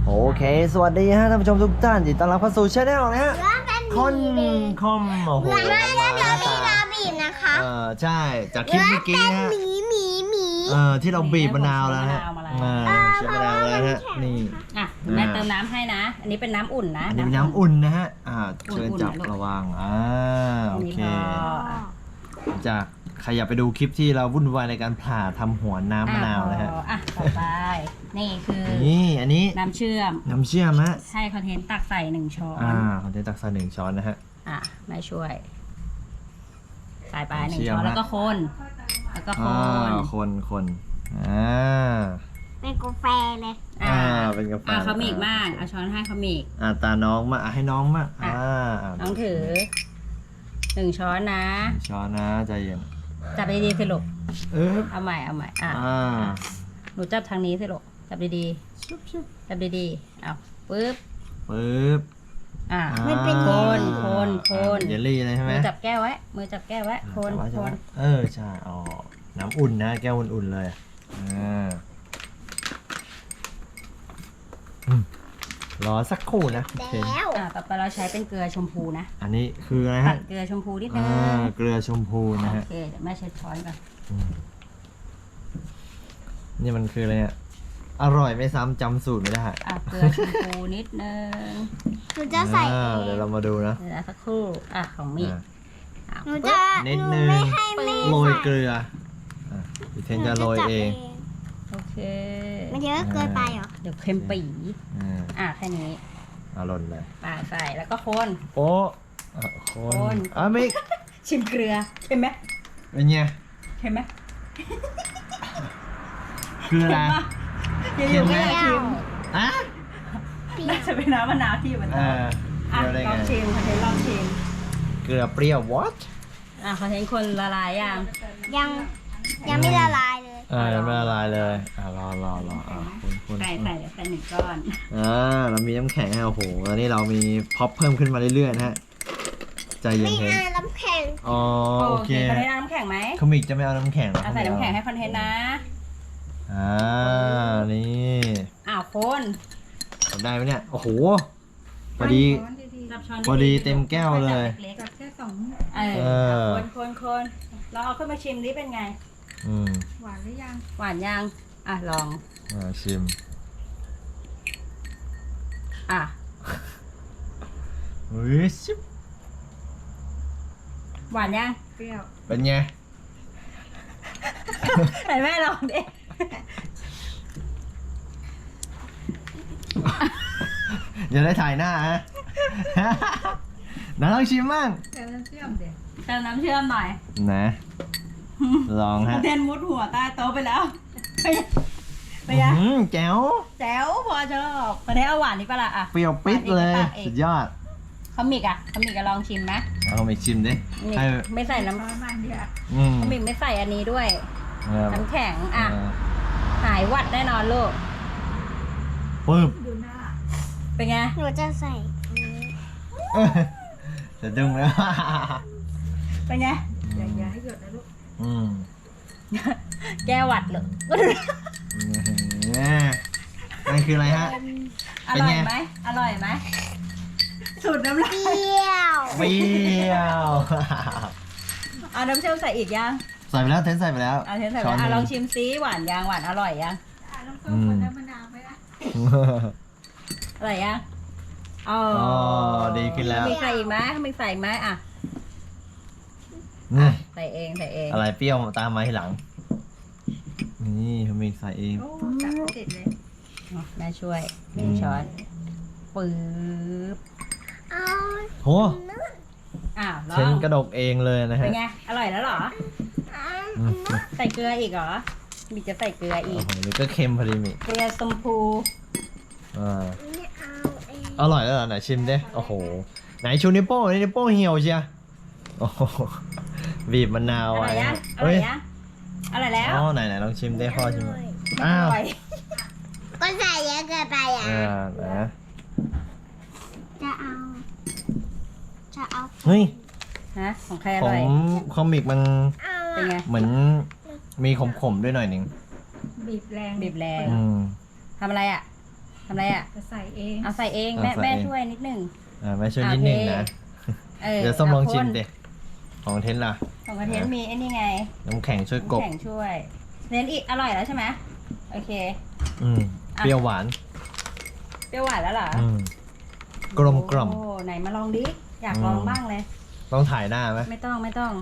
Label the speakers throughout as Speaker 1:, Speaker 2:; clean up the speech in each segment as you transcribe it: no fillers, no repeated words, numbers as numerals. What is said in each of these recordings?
Speaker 1: โอเคสวัสดีฮะท่านผู้ชมทุกท่านยินดีต้อนรับเข้าสู่ช่องนะฮะคนคอมโอ้โห
Speaker 2: แล้วเดี๋ยวมีลาบีบนะคะ
Speaker 1: ใช่จากคลิปเมื่อกี้ฮะที่เราบีบมะนาวแล้วฮะใช้มะนาวแล้วฮะนี่
Speaker 3: อ่ะแม่เติมน้ำให้นะ อันนี้เป็นน้ำอุ่นนะ
Speaker 1: อันนี้เป็นน้ำอุ่นนะฮะเชิญจับระวังโอเคจากใครอยากไปดูคลิปที่เราวุ่นวายในการผ่าทำหัวน้ำมะนาวนะฮะ
Speaker 3: ต่อไปนี่คือ
Speaker 1: อันนี้
Speaker 3: น้ำเชื่อ
Speaker 1: มฮะ
Speaker 3: ใช่คอนเทนต์ตักใส่1 ช้อน
Speaker 1: คอนเทนต์ตักใส่1 ช้อนนะฮะ
Speaker 3: แม่ช่วยใส่ไป1 ช้อนแล้วก็คน
Speaker 1: คน
Speaker 2: เป็นกาแฟเลย
Speaker 1: เป็นกาแฟ
Speaker 3: เขามีอีกมากเอาช้อนให้เขามีอีก
Speaker 1: ตาน้องมาให้น้องมา
Speaker 3: น้องถือ1 ช้อนนะ
Speaker 1: 1 ช้อนนะใจเย็น
Speaker 3: จับดีๆสิลูกเอาใหม่หนูจับทางนี้สิลูกจับดีๆจับดีๆเอาปึ๊บ
Speaker 2: ไม่เป็น
Speaker 3: คน
Speaker 1: เยลลี่เลยใช่ไหม
Speaker 3: มือจับแก้วไว้คน
Speaker 1: ใช่น้ำอุ่นนะแก้วอุ่นๆเลยรอสักครู่นะ
Speaker 2: แล้ว
Speaker 3: ต่อไปเราใช้เป็นเกลือชมพูนะ
Speaker 1: อันนี้คืออะไรฮะ
Speaker 3: เกลือชมพูนิดนึง
Speaker 1: เกลือชมพูนะฮะ
Speaker 3: โอเคเดี๋ยวแม่เช็ดช้อนก่อน
Speaker 1: นี่มันคืออะไรเนี่ยอร่อยไม่ซ้ำจำสูตรไม่ได้
Speaker 3: เกลือชมพูนิดนึง
Speaker 2: หนูจะใส่
Speaker 1: เดี๋ยวเรามาดูนะ
Speaker 3: เดี๋ยวสักครู่ของมี
Speaker 2: หนูจะ
Speaker 1: นิดนึงโรยเกลือพี่เทนจะโรยเอง
Speaker 3: โอเค
Speaker 2: มันเยอะเกินไปเหรอ
Speaker 3: เดี๋ยวเค็มปีแค่นี้
Speaker 1: หล่นเลย
Speaker 3: ใส่แล้วก็คน
Speaker 1: ไม่
Speaker 3: ชิมเกลือเค็มไหม
Speaker 1: เป็นไง
Speaker 3: เค็มไหม
Speaker 1: คืออะไร
Speaker 3: เค็มไหมชิม
Speaker 2: น่า
Speaker 3: จะเป็นน้ำมะนาวที่มันลองชิม
Speaker 1: เกลือเปรี้ยว what
Speaker 3: คอนเทนต์คนละลาย
Speaker 2: ยังไม่ละลายเลย
Speaker 1: ยังไม่ละลายเลยรอ
Speaker 3: คนใส่1 ก้อน
Speaker 1: เรามีน้ำแข็งโอ้โหแล้วนี่เรามีพ็อปเพิ่มขึ้นมาเรื่อยๆนะฮะใจเย็น
Speaker 2: ๆน้ำแข็ง
Speaker 1: โอเค
Speaker 3: คอนเทนต์น้ำแข็งไหม
Speaker 1: คอมิกจะไม่เอาน้ำแข็ง
Speaker 3: ใส่น้ำแข็งให้คอนเทนต์นะ
Speaker 1: นี่
Speaker 3: คน
Speaker 1: ทำได้ไหมเนี่ยโอ้โหพอดีเต็มแก้วเลย
Speaker 3: จับแค่คนเราเอาขึ้นมาชิมดิเป็นไงหวานหรือยังหวานยังลอง
Speaker 1: ชิมชิบ
Speaker 3: หวานยังเปรี้ยว
Speaker 1: เป็นไง
Speaker 3: ไหนแม่ลองดิ
Speaker 1: อย่าได้ถ่ายหน้าฮะน้าลองชิมมั่ง
Speaker 3: เติมน้ำเชื่อมหน่อย
Speaker 1: นะลองฮะ
Speaker 3: เทนมุดหัวใต้โต๊ะไปแล้วไปยัง
Speaker 1: แจ๋ว
Speaker 3: พอชอบประเทศเอาหวานนี่ปะล่ะ
Speaker 1: เปรี้ยวปิดเลยสุดยอด
Speaker 3: เขามิกลองชิมไหม
Speaker 1: เอาไปชิมดิ
Speaker 3: ไม่ใส่น้ำมันเดียวเขามิกไม่ใส่อันนี้ด้วยน้ำแข็งหายหวัดแน่นอนลูก
Speaker 1: ปึ๊บ
Speaker 3: เป็นไง
Speaker 2: หนูจะใส่
Speaker 1: จะดึงแล้ว
Speaker 3: เป็นไงอย่าให้หยดนะลูกแก้หวัดเลย
Speaker 1: นั่นคืออะไรฮะ
Speaker 3: อร่อยไหมสูตรน้ำลาย
Speaker 2: เปรี้
Speaker 1: ยว
Speaker 3: เอาน้ำเชื่อมใส่อีกยัง
Speaker 1: ใส่ไปแล้วเทนใส่ไปแล้ว
Speaker 3: ลองชิมซิหวานยังหวานอร่อยยังลองต้มคนน้ำมะนาวไหมล่ะอร่อยยัง
Speaker 1: ดีขึ้นแล้ว
Speaker 3: มีใส่อีกไหมใส่เอง
Speaker 1: อะไรเปรี้ยวตามมาทีหลังนี่เขามีใส่เอง
Speaker 3: จับติดเลยแม่ช่วย1 ช้อนปึ๊บ
Speaker 1: โหเชนกระดกเองเลยนะฮะ
Speaker 3: เป็นไงอร่อยแล้วเหรอใส่เกลืออีกเหรอมีจะใส่เกลืออีก
Speaker 1: หรือก็เค็มพอดีมิ
Speaker 3: เกลือชมพู
Speaker 1: อร่อยแล้วเหรอไหนชิมดิโอ้โหไหนชูนิ้วโป้งนิ้วโป้งเหี่ยวเชียโอ้โหบีบมะนาว
Speaker 3: อร่อยแล้ว
Speaker 1: ไหนลองชิมได้พ่อชิม
Speaker 2: ก็ใส่เยอะเกินไป
Speaker 1: นะ
Speaker 2: จะเอา
Speaker 1: เฮ้ย
Speaker 3: ของใครอร่อย
Speaker 1: คอมิกมัน
Speaker 3: เป็นไง
Speaker 1: เหมือนมีขมๆด้วยหน่อยหนึ่ง
Speaker 3: บีบแรงทำอะไรทำอะไรอ่ะ
Speaker 4: จะใส่เอง
Speaker 3: เอาใส่เอง
Speaker 1: เอา
Speaker 3: แม่
Speaker 1: ใส่
Speaker 3: แม่
Speaker 1: เอง
Speaker 3: ช่วยนิดหนึ่ง
Speaker 1: แม่ช่วยนิดนึงนะ เดี๋ยวส้มลองชิมดิของเทนล่ะ
Speaker 3: ของกระเทนมีไอ้นี่ไง
Speaker 1: น้ำแข็งช่วยกบ
Speaker 3: แข่งช่วยเน้นอีกอร่อยแล้วใช่ไหมโอเค
Speaker 1: เปรี้ยวหวาน
Speaker 3: เปรี้ยวหวานแล้วเหรอ
Speaker 1: กลมกล่อม
Speaker 3: โอ้ไหนมาลองดิอยากลองบ้างเลย
Speaker 1: ต้องถ่ายหน้าไหม
Speaker 3: ไม่ต้องไม่ต้อง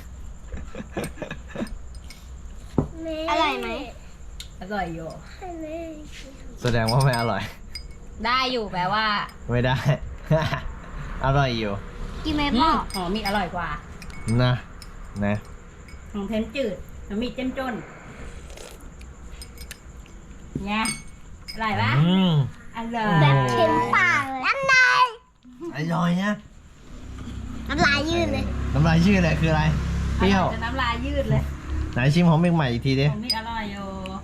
Speaker 2: อร่อยไหม
Speaker 3: อร่อยอยู่
Speaker 1: แสดงว่าไม่อร่อย
Speaker 3: ได้อยู่แปลว่า
Speaker 1: ไม่ได้ อร่อยอยู่
Speaker 2: กินไหมพ่อ
Speaker 3: หอมมีอร่อยกว่า
Speaker 1: นะนะ
Speaker 3: ของเทนจืดแล้วมีเจ้มจนไงอร่อยปะ
Speaker 1: อืม
Speaker 3: อร่อย
Speaker 2: แบบเค็มปากเลยน้ำลาย
Speaker 1: อร่อยนะ
Speaker 2: น้ำลายยืดเลย
Speaker 1: น้ำลายชื่ออะไรคืออะไร เปรี้ยว
Speaker 3: จะน้ำลายยืดเลย
Speaker 1: ไหนชิมของเมกใหม่อีกทีดิ
Speaker 3: ของมีอร่อยอยู่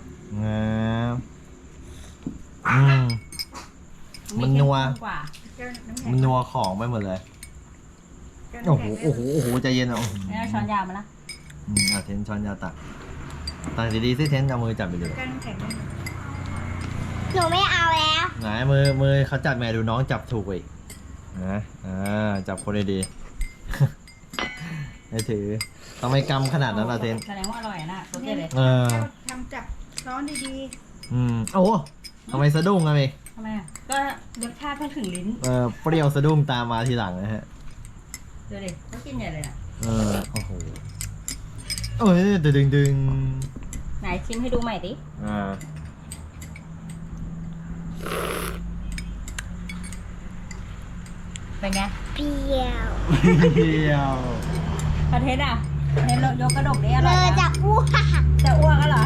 Speaker 1: อืม มันนัว
Speaker 3: กว่า
Speaker 1: มันนัวของไปหมดเลย โอ้โห โอ้โห โอ้โห ใจเย็นอ่ะ
Speaker 3: ไม่เอาช้อนยาวมาละ
Speaker 1: เทนช้อนยาตักตักดีๆสิเทนเอามือจับไปดู
Speaker 4: กันน้ำแข็ง
Speaker 2: หนูไม่เอาแล้ว
Speaker 1: ไหนมือเขาจับแม่ดูน้องจับถูกอีกนะจับคนดีๆ ให้ถือทำไมกำขนาดนั้นล่ะเทน
Speaker 3: แสดงว่าอร่อยนะรสเด็ดเลย
Speaker 4: ทำจับร้อนดี
Speaker 1: โอ้โหทำไมสะดุ้งอะพี่
Speaker 3: ทำไมอะก็รสชาติเพิ่งถึงลิ้น
Speaker 1: เปรี้ยวสะดุ้งตามมาทีหลังนะฮะ
Speaker 3: ดูดิเขากินใหญ่เลยนะ
Speaker 1: โอ้โหเอ้ยดึง
Speaker 3: ไหนชิมให้ดูใหม่ดิ เป็นไง
Speaker 2: เปรี้ยว
Speaker 1: เปรี้ยว
Speaker 3: ประเทศอ่ะเทนยกกระดกนี้อ
Speaker 2: เล
Speaker 3: ร่อย
Speaker 2: ย
Speaker 3: นะ
Speaker 2: จะอ้วก
Speaker 3: จะอ้วกก็เหรอ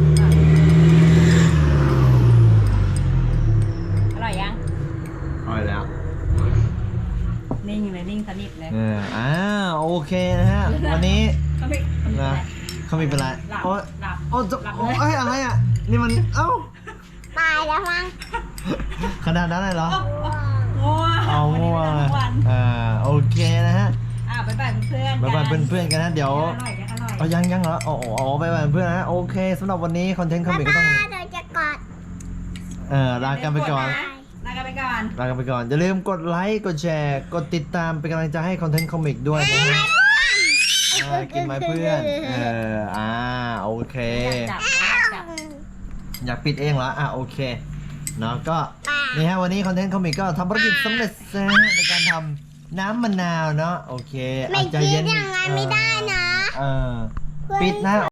Speaker 3: อร่อยยัง
Speaker 1: อร่อยแล้ว
Speaker 3: นิ่งเลยนิ่งสนิทเลย
Speaker 1: โอเคนะฮะ วันนี้
Speaker 3: เขาไม่
Speaker 1: นะเขาไม่เป็นไร
Speaker 3: หลับ
Speaker 1: โอ้ย
Speaker 3: หลับ
Speaker 1: โอ้ย
Speaker 3: หลับ
Speaker 1: โอ้
Speaker 3: เลย
Speaker 1: ยอะไรอ่ะ นี่มัน
Speaker 2: ตายแล้วมั้ง
Speaker 1: ขนาดนั้นเลยเหรอ
Speaker 3: ง่วง
Speaker 1: เอา
Speaker 3: วันนี้
Speaker 1: ง่วง
Speaker 3: ไม่ได้ทั้งวัน
Speaker 1: โอเคนะฮะ
Speaker 3: บ๊ายบายเพื่อนๆ
Speaker 1: บ๊ายบาย
Speaker 3: กัน
Speaker 1: เพื่อนๆกันนะ เดี๋ยว
Speaker 3: อร่อยยังอร่อย
Speaker 1: เอายังเหรอบ๊ายบายเพื่อนนะ โอเคสำหรับวันนี้คอนเทนต์คอมิกก็ต้อง
Speaker 2: เดี๋ยวจะกอด
Speaker 1: ลากันไปก่อน
Speaker 3: ลากันไปก่อน
Speaker 1: ลากันไปก่อน อย่าลืมกดไลค์ กดแชร์ กดติดตามเป็นกำลังใจให้คอนเทนต์คอมิกด้วยนะฮะกินไหมเพื่อน โอเค
Speaker 3: อยากจับ
Speaker 1: อยากปิดเองเหรอ โอเค เนาะก็ นี่ฮะวันนี้คอนเทนต์คอมิกก็ทำภารกิจสำเร็จแล้วในการทำน้ำมะนาวเนาะ โอเค
Speaker 2: ไม่
Speaker 1: อาจจะ
Speaker 2: คิ
Speaker 1: เย็
Speaker 2: ด
Speaker 1: น
Speaker 2: อย่างนั้นไม่ได้นะ
Speaker 1: ปิดนะ